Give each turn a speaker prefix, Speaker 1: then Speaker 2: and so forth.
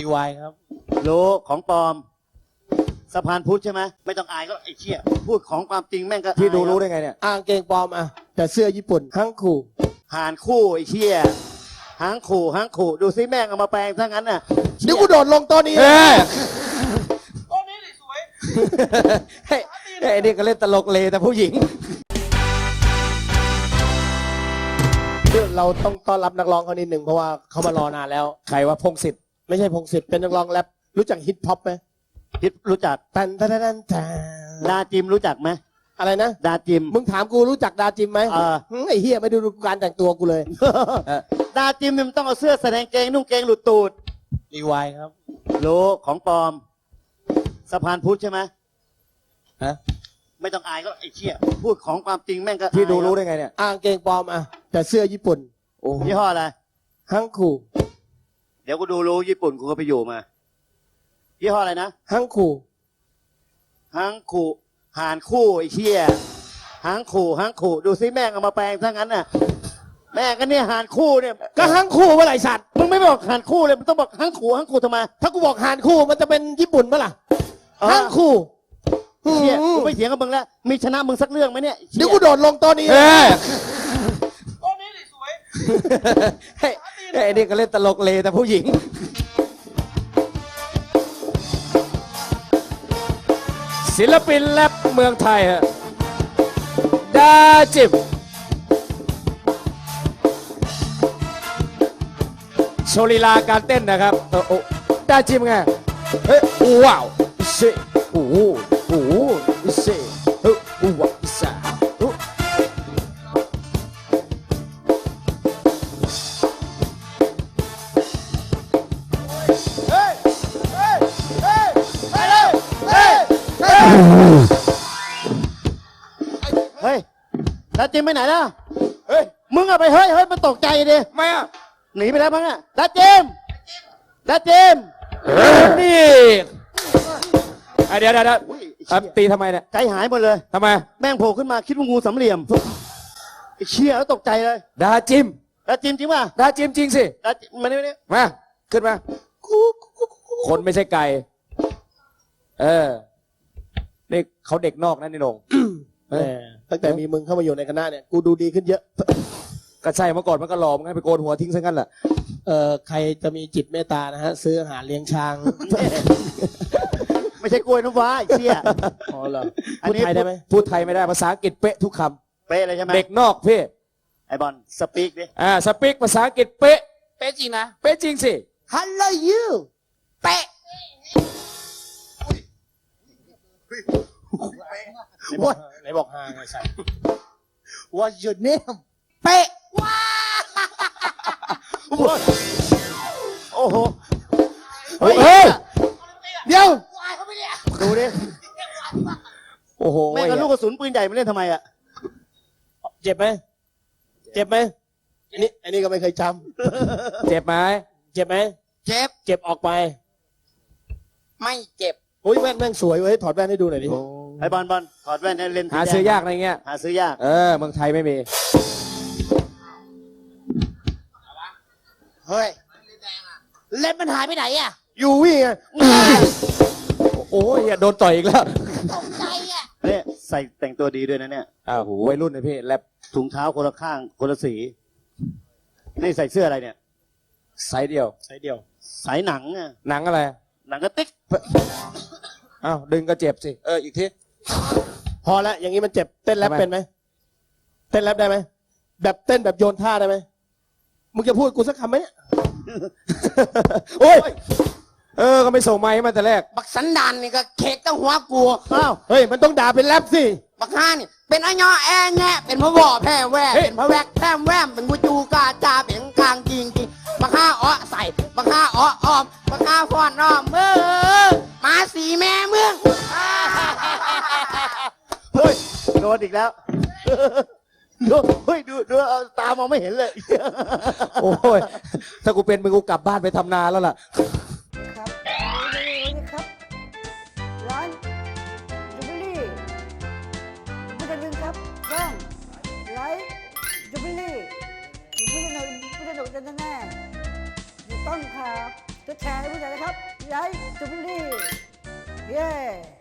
Speaker 1: รีวายครับ
Speaker 2: รู้ของปลอมสะพานพุทธใช่ไหมไม่ต้องอายก็ไอ้เชี่ยพูดของความจริงแม่งก็
Speaker 3: ที่ดูรู้
Speaker 2: อาย
Speaker 3: ได้ไงเนี่ย
Speaker 1: อ้างเกงปลอมอ่ะแต่เสื้อญี่ปุ่นฮังคู
Speaker 2: หานคู่ไอ้เชี่ยหางขู่ดูซิแม่งเอามาแปลงซะงั้นน่ะ
Speaker 1: เดี๋ยวกูโดดลงโต๊ะนี้
Speaker 3: เฮ้ย
Speaker 4: โอ้นี่สวย
Speaker 3: ไอ้นี่ก็เล่นตลกเลแต่ผู้หญิง
Speaker 1: เราต้องต้อนรับนักร้องเขานิดหนึ่งเพราะว่าเขามารอนานแล้ว
Speaker 3: ใครว่าพงศิษฐ์
Speaker 1: ไม่ใช่พงศิษฐ์เป็นนักร้องแรปรู้จักฮิปฮอปไหม
Speaker 2: คิดรู้จัก
Speaker 1: ตันตันตันตัน
Speaker 2: ดาจิมรู้จักไหม
Speaker 1: อะไรนะ
Speaker 2: ดาจิม
Speaker 1: มึงถามกูรู้จักดาจิมไหม ไอ้เฮียไม่ดูการแต่งตัวกูเลย
Speaker 2: ดาจิมเนี่ยมันต้องเอาเสื้อแสดงเกงนุ่งเกงหลุดตูด
Speaker 1: รีวายครับ
Speaker 2: รู้ของปลอมสะพานพุทธใช่ไหม
Speaker 3: ฮะ
Speaker 2: ไม่ต้องอายก็ไอ้เชี่ยพูดของความจริงแม่งก็
Speaker 3: ที่ดูรู้
Speaker 2: อาย
Speaker 3: ได้ไงเนี่ย
Speaker 1: อ้างเกงปลอมอ่ะแต่เสื้อญี่ปุ่น
Speaker 3: โอ้
Speaker 2: ยี่ห้ออะไร
Speaker 1: ฮังคู
Speaker 2: เดี๋ยวกูดูรู้ญี่ปุ่นกูก็ไปอยู่มายี่ห้ออะไรนะ
Speaker 1: ฮังคู
Speaker 2: หางขู่หานคู่ไอ้เชี่ยหางขู่ดูซิแม่งเอามาแปลงซะงั้นน่ะแม่งก็เนี่ยหานคู่เนี่ย
Speaker 1: ก็ฮังคูเมื่อไหร่สัตว์
Speaker 2: มึงไม่บอกหานคู่เลยมึงต้องบอกหางขู่ทำไม
Speaker 1: ถ้ากูบอกฮานคูมันจะเป็นญี่ปุ่นปะล่ะ
Speaker 2: เออ
Speaker 1: ฮังคู
Speaker 2: เชี่ยกูไม่เถียงกับมึงแล้วมีชนะมึงสักเรื่องไหมเนี่ย
Speaker 1: เดี๋ยวกูโดดลงโต๊ะนี้
Speaker 3: เฮ้ย
Speaker 4: โอ้นี่สวย
Speaker 3: ไอ้นี่ก็เล่นตลกเลแต่ผู้หญิง ศิลปินแรปเมืองไทยฮะดาจิมโชว์ลีลาการเต้นนะครับโอ้ดาจิมไงเฮ้ยว้าวเซ่โอ้โหเซ่เฮ้ยว้าวซ่า
Speaker 2: เฮ้ยดาจิมไปไหนล่ะ
Speaker 3: เฮ้ย
Speaker 2: มึงอะไปเฮ้ยมันตกใจดิ
Speaker 3: ไม่อะ
Speaker 2: หนีไปแล้วมั้งอะดาจิม
Speaker 3: นี่เดี๋ยว
Speaker 2: อุ้ย
Speaker 3: ตีทำไมเนี่ย
Speaker 2: ใจหายหมดเลย
Speaker 3: ทำไม
Speaker 2: แม่งโผล่ขึ้นมาคิดว่างูสามเหลี่ยมไอ้เชี่ยแล้วตกใจเลย
Speaker 3: ดาจิม
Speaker 2: ดาจิมจริงป่ะ
Speaker 3: ดาจิมจริงสิ
Speaker 2: ดาจิมมาเนี่ย
Speaker 3: มา ขึ้นมา คนไม่ใช่ไก่ นี่เขาเด็กนอกนะนี่หนง
Speaker 1: แหมตั้งแต่มีมึงเข้ามาอยู่ในคณะเนี่ยกูดูดีขึ้นเยอะ
Speaker 3: ก็ใช่เมื่อก่อนมันก็หลอมไงไปโกนหัวทิ้งซะงั้นแหละ
Speaker 1: ใครจะมีจิตเมตตานะฮะซื้ออาหารเลี้ยงช้าง
Speaker 2: ไม่ใช่กล้วยน้ำว้าไอ้เชี่ย
Speaker 1: อ๋อเหรอ
Speaker 2: อัน
Speaker 1: พูด
Speaker 2: นี้
Speaker 1: ไทยได้ไหม
Speaker 3: พูดไทยไม่ได้ภาษาอังกฤษเป๊ะทุกค
Speaker 2: เป๊ะเลยใช่ไหม
Speaker 3: ำเด็กนอกพี่
Speaker 2: ไอบอลสปีกดิ
Speaker 3: สปีกภาษาอังกฤษเป๊ะ
Speaker 4: ๆเป๊ะจริงนะ
Speaker 3: เป๊ะจริงสิ
Speaker 1: Hello you
Speaker 4: เป๊ะ
Speaker 1: What ไหนบอกฮาไงใส่ What's your name
Speaker 4: เป๊ะ
Speaker 2: โอ้โห
Speaker 3: เฮ้ย
Speaker 1: เดี๋ยว
Speaker 2: ดูดิ
Speaker 3: โอ้โห
Speaker 2: แม่งกับลูกกระสุนปืนใหญ่มาเล่นทำไมอะ
Speaker 1: เจ็บไหมเจ็บไหมอันนี้ก็ไม่เคยจ
Speaker 3: เจ็บไหม
Speaker 1: ำเจ็บไหม
Speaker 4: เจ็บ
Speaker 1: เจ็บออกไป
Speaker 4: ไม่เจ็บ
Speaker 1: โอ้ยแว่นแม่งสวยเว้ยถอดแว่นให้ดูหน่อยดิ
Speaker 2: ไอบอลถอดแว่นให้เล่น
Speaker 3: หาซื้อยากอะไรเงี้ย
Speaker 2: หาซื้อยาก
Speaker 3: เมืองไทยไม่มี
Speaker 4: เฮ้ยเล็บมันหายไปไหนอ่ะ
Speaker 1: ยูวี่ไง
Speaker 3: โอ้ยอย่าโดนต่อยอีกแล้ว
Speaker 4: ตกใจอ่ะ
Speaker 2: เนี่ยใส่แต่งตัวดีด้วยนะเนี่ย
Speaker 3: โหวัยรุ่นนะพี่แรป
Speaker 2: ถุงเท้าคนละข้างคนละสีนี่ใส่เสื้ออะไรเนี่ย
Speaker 3: ไซส์เดียว
Speaker 1: ใส่เดียว
Speaker 2: สายหนังอะ
Speaker 3: หนังอะไร
Speaker 2: หนังกระติก
Speaker 3: อ้าวดึงก็เจ็บสิ อีกที
Speaker 1: พอแล้วอย่างนี้มันเจ็บเต้นแรป
Speaker 3: ทำไม
Speaker 1: เป็นไหมเต้นแรปได้ไหมแบบเต้นแบบโยนท่าได้ไหมมึงจะพูดกูสักคำไหมเนี่ย
Speaker 3: โอ้ย ก็ไม่ส่งไม้มาแต่แรก
Speaker 4: บักสันดานนี่ก็เค้กตั้งหัวกู
Speaker 1: อ้าวเฮ้ยมันต้องด่าเป็นแรปสิ
Speaker 4: บักห้านี่เป็นอ้อยอแอแงะเป็นพระวอแพร่แว่
Speaker 3: เฮ้ย
Speaker 4: เป็นพระแวกแพร่แวมเป็นกูจูกาจาเป็นกลางจริงจริงบักห้าอ้อใส่บักห้าอ้ออ้อมบักห้าฟอนอ้อมมาสีแม่เมือง
Speaker 2: เฮ้ยโดนอีกแล้วดูเฮ้ยดูเอาตามองไม่เห็นเลย
Speaker 3: โอ้ย ถ้ากูเป็นมึงกูกลับบ้านไปทำนาแล้วล่ะ
Speaker 5: ครับครับร้านจูบิลี่ไม่จะลืมครับช่องไลฟ์จูบิลี่ไม่จะหนุกแน่ๆถูกต้องครับกดแชร์ให้ผู้ใหญ่นะครับไลค์จูบิลี่เย้